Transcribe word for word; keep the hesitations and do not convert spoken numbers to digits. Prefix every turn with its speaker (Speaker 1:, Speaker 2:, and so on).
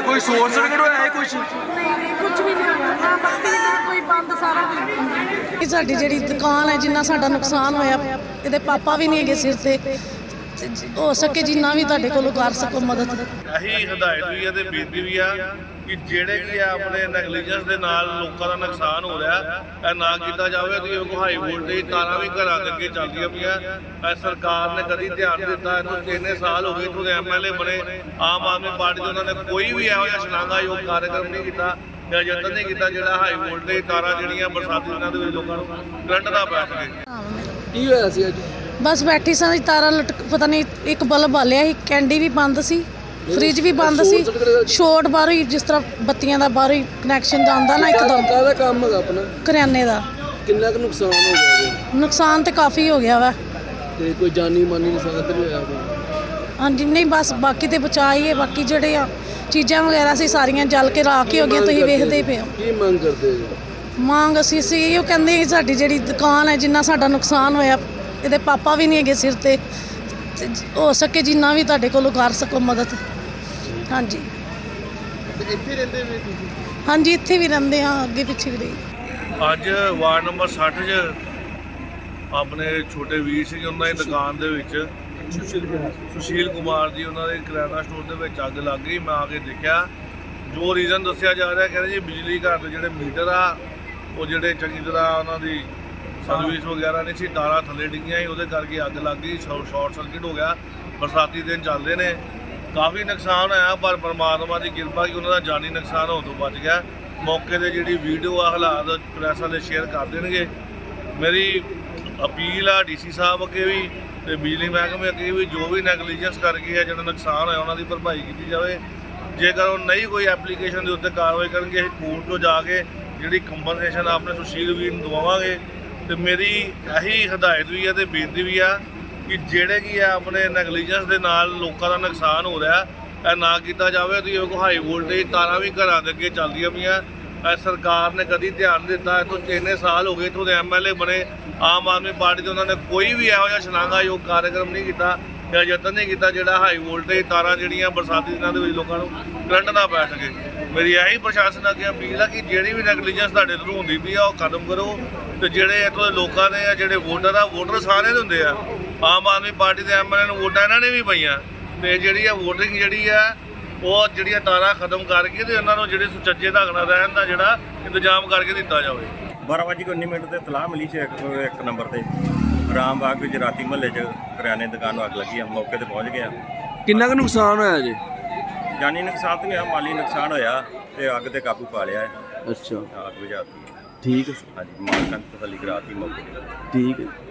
Speaker 1: ਕੋਈ ਸ਼ੋਰ ਸਰਕਟ ਹੋਇਆ ਹੈ ਕੁਛ?
Speaker 2: ਨਹੀਂ ਨਹੀਂ ਕੁਝ ਵੀ ਨਹੀਂ ਹੋਇਆ ਨਾ ਬੱਤੀ ਨਾ ਕੋਈ ਬੰਦ ਸਾਰਾ ਕੁਝ।
Speaker 3: ਇਹ ਸਾਡੀ ਜਿਹੜੀ ਦੁਕਾਨ ਹੈ ਜਿੰਨਾ ਸਾਡਾ ਨੁਕਸਾਨ ਹੋਇਆ ਇਹਦੇ ਪਾਪਾ ਵੀ ਨਹੀਂ ਹੈਗੇ ਸਿਰ ਤੇ ਤੇ ਹੋ ਸਕੇ ਜਿੰਨਾ ਵੀ ਤੁਹਾਡੇ ਕੋਲੋਂ ਕਰ ਸਕੋ ਮਦਦ।
Speaker 4: ਇਹੀ ਹਦਾਇਤ ਵੀ ਹੈ ਤੇ ਬੇਨਤੀ ਵੀ ਆ ਕਿ ਜਿਹੜੇ ਕੀ ਆ ਆਪਣੇ ਨੈਗਲੀਜੈਂਸ ਦੇ ਨਾਲ ਲੋਕਾਂ ਦਾ ਨੁਕਸਾਨ ਹੋ ਰਿਹਾ ਇਹ ਨਾ ਕੀਤਾ ਜਾਵੇ ਤੇ ਉਹ ਹਾਈ ਵੋਲਟੇਜ ਤਾਰਾਂ ਵੀ ਘਰਾਂ ਦੇ ਅੱਗੇ ਚੱਲਦੀਆਂ ਪਈਆਂ। ਇਹ ਸਰਕਾਰ ਨੇ ਕਦੀ ਧਿਆਨ ਦਿੱਤਾ ਇਹਨੂੰ ਕਿੰਨੇ ਸਾਲ ਹੋ ਗਏ ਇੱਥੋਂ ਦੇ ਐਮ ਐਲ ਏ ਬਣੇ ਆਮ ਆਦਮੀ ਪਾਰਟੀ ਦੇ ਉਹਨਾਂ ਨੇ ਕੋਈ ਵੀ ਇਹੋ ਜਿਹਾ ਸ਼ਲਾਘਾਯੋਗ ਕਾਰਜਕ੍ਰਮ ਨਹੀਂ ਕੀਤਾ ਜਾਂ ਯਤਨ ਨਹੀਂ ਕੀਤਾ ਜਿਹੜਾ ਹਾਈ ਵੋਲਟੇਜ ਤਾਰਾਂ ਜਿਹੜੀਆਂ ਬਰਸਾਤੀ ਦਿਨਾਂ ਦੇ ਵਿੱਚ ਲੋਕਾਂ ਨੂੰ ਕਰੰਟ ਦਾ ਪੈ ਸਕੇ।
Speaker 1: ਕੀ ਹੋਇਆ ਸੀ ਅੱਜ?
Speaker 3: ਬਸ ਬੈਠੀ ਸਾਂ ਜੀ ਤਾਰਾਂ ਲਟਕ ਪਤਾ ਨਹੀਂ ਇੱਕ ਬਲਬ ਬਾਲਿਆ ਸੀ, ਕੈਂਡੀ ਵੀ ਬੰਦ ਸੀ, ਫ੍ਰਿਜ ਵੀ ਬੰਦ ਸੀ, ਸ਼ੋਰਟ ਬਾਹਰੋਂ ਹੀ ਜਿਸ ਤਰ੍ਹਾਂ ਬੱਤੀਆਂ ਦਾ ਬਾਹਰੋਂ ਹੀ ਕਨੈਕਸ਼ਨ ਜਾਂਦਾ ਨਾ ਇੱਕਦਮ।
Speaker 1: ਕਾਹਦਾ ਕੰਮ ਹੈਗਾ ਆਪਣਾ?
Speaker 3: ਕਰਿਆਨੇ ਦਾ।
Speaker 1: ਕਿੰਨਾ ਕੁ ਨੁਕਸਾਨ ਹੋ ਗਿਆ ਜੀ?
Speaker 3: ਨੁਕਸਾਨ ਤੇ ਕਾਫੀ ਹੋ ਗਿਆ ਵਾ।
Speaker 1: ਤੇ ਕੋਈ ਜਾਨੀ ਮਾਨੀ ਨੁਕਸਾਨ ਤਾਂ ਨਹੀਂ ਹੋਇਆ ਕੋਈ?
Speaker 3: ਹਾਂਜੀ ਨਹੀਂ ਬਸ ਬਾਕੀ ਤੇ ਬਚਾ ਹੀ ਹੈ, ਬਾਕੀ ਜਿਹੜੇ ਆ ਚੀਜ਼ਾਂ ਵਗੈਰਾ ਸੀ ਸਾਰੀਆਂ ਜਲ ਕੇ ਰਾਖ ਹੀ ਹੋ ਗਈਆਂ। ਤੁਸੀਂ ਵੇਖਦੇ ਹੀ ਪਏ ਹੋ।
Speaker 1: ਕੀ ਮੰਗ ਕਰਦੇ ਜੀ?
Speaker 3: ਮੰਗ ਅਸੀਂ ਸੀ ਇਹੋ ਕਹਿੰਦੇ ਕਿ ਸਾਡੀ ਜਿਹੜੀ ਦੁਕਾਨ ਹੈ ਜਿੰਨਾ ਸਾਡਾ ਨੁਕਸਾਨ ਹੋਇਆ ਇਹਦੇ ਪਾਪਾ ਵੀ ਨਹੀਂ ਹੈਗੇ ਸਿਰ ਤੇ ਤੇ ਹੋ ਸਕੇ ਜਿੰਨਾ ਵੀ ਤੁਹਾਡੇ ਕੋਲੋਂ ਕਰ ਸਕੋ ਮਦਦ। ਹਾਂਜੀ
Speaker 1: ਇੱਥੇ ਰਹਿੰਦੇ ਵੀ ਤੁਸੀਂ?
Speaker 3: ਹਾਂਜੀ ਇੱਥੇ ਵੀ ਰਹਿੰਦੇ ਹਾਂ, ਅੱਗੇ ਪਿੱਛੇ ਵੀ ਰਹੀ।
Speaker 4: ਅੱਜ ਵਾਰਡ ਨੰਬਰ ਸੱਠ 'ਚ ਆਪਣੇ ਛੋਟੇ ਵੀਰ ਸਿੰਘ ਉਹਨਾਂ ਦੀ ਦੁਕਾਨ ਦੇ ਵਿੱਚ ਸੁਸ਼ੀਲ ਕੁਮਾਰ ਜੀ ਉਹਨਾਂ ਦੇ ਕਿਰਾਣਾ ਸਟੋਰ ਦੇ ਵਿੱਚ ਅੱਗ ਲੱਗ ਗਈ। ਮੈਂ ਆ ਕੇ ਦੇਖਿਆ ਜੋ ਰੀਜ਼ਨ ਦੱਸਿਆ ਜਾ ਰਿਹਾ ਕਹਿੰਦੇ ਜੀ ਬਿਜਲੀ ਘਰ ਦੇ ਜਿਹੜੇ ਮੀਟਰ ਆ ਉਹ ਜਿਹੜੇ ਚੰਗੀ ਤਰ੍ਹਾਂ ਉਹਨਾਂ ਦੀ ਸਰਵਿਸ ਵਗੈਰਾ ਨਹੀਂ ਸੀ, ਤਾਰਾਂ ਥੱਲੇ ਡਿੱਗੀਆਂ ਸੀ, ਉਹਦੇ ਕਰਕੇ ਅੱਗ ਲੱਗ ਗਈ, ਸ਼ਾਰਟ ਸਰਕਟ ਹੋ ਗਿਆ। ਬਰਸਾਤੀ ਦਿਨ ਚੱਲਦੇ ਨੇ, ਕਾਫੀ ਨੁਕਸਾਨ ਹੋਇਆ ਪਰ ਪਰਮਾਤਮਾ ਦੀ ਕਿਰਪਾ ਕਿ ਉਹਨਾਂ ਦਾ ਜਾਨੀ ਨੁਕਸਾਨ ਹੋਣ ਤੋਂ ਬਚ ਗਿਆ। ਮੌਕੇ 'ਤੇ ਜਿਹੜੀ ਵੀਡੀਓ ਆ ਹਾਲਾਤ ਪ੍ਰੈਸ ਵਾਲੇ ਸ਼ੇਅਰ ਕਰ ਦੇਣਗੇ। ਮੇਰੀ ਅਪੀਲ ਆ ਡੀ ਸੀ ਸਾਹਿਬ ਅੱਗੇ ਵੀ ਤੇ ਬਿਜਲੀ ਮਹਿਕਮੇ ਅੱਗੇ ਵੀ ਜੋ ਵੀ ਨੈਗਲੀਜੈਂਸ ਕਰਕੇ ਆ ਜਿਹੜਾ ਨੁਕਸਾਨ ਹੋਇਆ ਉਹਨਾਂ ਦੀ ਭਰਪਾਈ ਕੀਤੀ ਜਾਵੇ। ਜੇਕਰ ਉਹ ਨਹੀਂ ਕੋਈ ਐਪਲੀਕੇਸ਼ਨ ਦੇ ਉੱਤੇ ਕਾਰਵਾਈ ਕਰਨਗੇ ਅਸੀਂ ਕੋਰਟ 'ਚੋਂ ਜਾ ਕੇ ਜਿਹੜੀ ਕੰਪਨਸੇਸ਼ਨ ਆਪਣੇ ਸੁਸ਼ੀਲ ਵੀਰ ਨੂੰ ਦਵਾਵਾਂਗੇ। ਤੇ ਮੇਰੀ ਇਹੀ ਹਦਾਇਤ ਵੀ ਹੈ ਤੇ ਬੇਨਤੀ ਵੀ ਆ ਕਿ ਜਿਹੜੇ ਕੀ ਆ ਆਪਣੇ ਨੈਗਲੀਜੈਂਸ ਦੇ ਨਾਲ ਲੋਕਾਂ ਦਾ ਨੁਕਸਾਨ ਹੋ ਰਿਹਾ ਇਹ ਨਾ ਕੀਤਾ ਜਾਵੇ ਤੇ ਉਹ ਹਾਈ ਵੋਲਟੇਜ ਤਾਰਾਂ ਵੀ ਘਰਾਂ ਦੇ ਅੱਗੇ ਚੱਲਦੀਆਂ ਪਈਆਂ। ਇਹ ਸਰਕਾਰ ਨੇ ਕਦੀ ਧਿਆਨ ਦਿੱਤਾ ਇੱਥੋਂ ਇੰਨੇ ਸਾਲ ਹੋ ਗਏ ਇੱਥੋਂ ਦੇ ਐਮ ਐਲ ਏ ਬਣੇ ਆਮ ਆਦਮੀ ਪਾਰਟੀ ਦੇ ਉਹਨਾਂ ਨੇ ਕੋਈ ਵੀ ਇਹੋ ਜਿਹਾ ਸ਼ਲਾਘਾਯੋਗ ਕਾਰਜਕ੍ਰਮ ਨਹੀਂ ਕੀਤਾ ਜਾਂ ਯਤਨ ਨਹੀਂ ਕੀਤਾ ਜਿਹੜਾ ਹਾਈ ਵੋਲਟੇਜ ਤਾਰਾਂ ਜਿਹੜੀਆਂ ਬਰਸਾਤੀ ਦਿਨਾਂ ਦੇ ਵਿੱਚ ਲੋਕਾਂ ਨੂੰ ਕਰੰਟ ਨਾ ਪੈ ਸਕੇ। ਮੇਰੀ ਇਹੀ ਪ੍ਰਸ਼ਾਸਨ ਅੱਗੇ ਅਪੀਲ ਆ ਕਿ ਜਿਹੜੀ ਵੀ ਨੈਗਲੀਜੈਂਸ ਤੁਹਾਡੇ ਥਰੂ ਹੁੰਦੀ ਪਈ ਆ ਉਹ ਖਤਮ ਕਰੋ ਤੇ ਜਿਹੜੇ ਇੱਥੋਂ ਦੇ ਲੋਕਾਂ ਦੇ ਆ ਜਿਹੜੇ ਵੋਟਰ ਆ ਵੋਟਰ ਸਾਰਿਆਂ ਦੇ ਹੁੰਦੇ ਆ। ਆਮ ਆਦਮੀ ਪਾਰਟੀ ਦੇ ਐਮ ਐਲ ਏ ਨੂੰ ਵੋਟਾਂ ਇਹਨਾਂ ਨੇ ਵੀ ਪਈਆਂ ਤੇ ਜਿਹੜੀ ਆ ਵੋਟਿੰਗ ਜਿਹੜੀ ਆ ਉਹ ਜਿਹੜੀਆਂ ਤਾਰਾਂ ਖਤਮ ਕਰਕੇ ਤੇ ਉਹਨਾਂ ਨੂੰ ਜਿਹੜੇ ਸੁਚੱਜੇ ਢੰਗ ਨਾਲ ਰਹਿਣ ਦਾ ਜਿਹੜਾ ਇੰਤਜ਼ਾਮ ਕਰਕੇ ਦਿੱਤਾ ਜਾਵੇ।
Speaker 5: ਬਾਰਾਂ ਵਜੇ ਉੱਨੀ ਮਿੰਟ ਤੇ ਤਲਾਹ ਮਿਲੀ ਸੀ ਇੱਕ ਇੱਕ ਨੰਬਰ ਤੇ ਰਾਮ ਬਾਗ ਵਿੱਚ ਰਾਤੀ ਮਹੱਲੇ 'ਚ ਕਰਿਆਨੇ ਦੀ ਦੁਕਾਨ ਨੂੰ ਅੱਗ ਲੱਗੀ ਆ। ਮੌਕੇ ਤੇ ਪਹੁੰਚ ਗਿਆ।
Speaker 1: ਕਿੰਨਾ ਕੁ ਨੁਕਸਾਨ ਹੋਇਆ ਜੀ?
Speaker 5: ਜਾਨੀ ਨੁਕਸਾਨ ਤਾਂ ਨਹੀਂ ਹੋਇਆ, ਮਾਲੀ ਨੁਕਸਾਨ ਹੋਇਆ ਤੇ ਅੱਗ ਤੇ ਕਾਬੂ ਪਾ ਲਿਆ ਹੈ।
Speaker 1: ਅੱਛਾ
Speaker 5: ਅੱਗ ਬੁਝਾਤੀ।
Speaker 1: ਠੀਕ ਹੈ
Speaker 5: ਹਾਂਜੀ, ਮਾਲਕਾਂ ਨੇ ਤਸੱਲੀ ਕਰਾਤੀ ਮੌਕੇ ਤੇ।
Speaker 1: ਠੀਕ ਹੈ।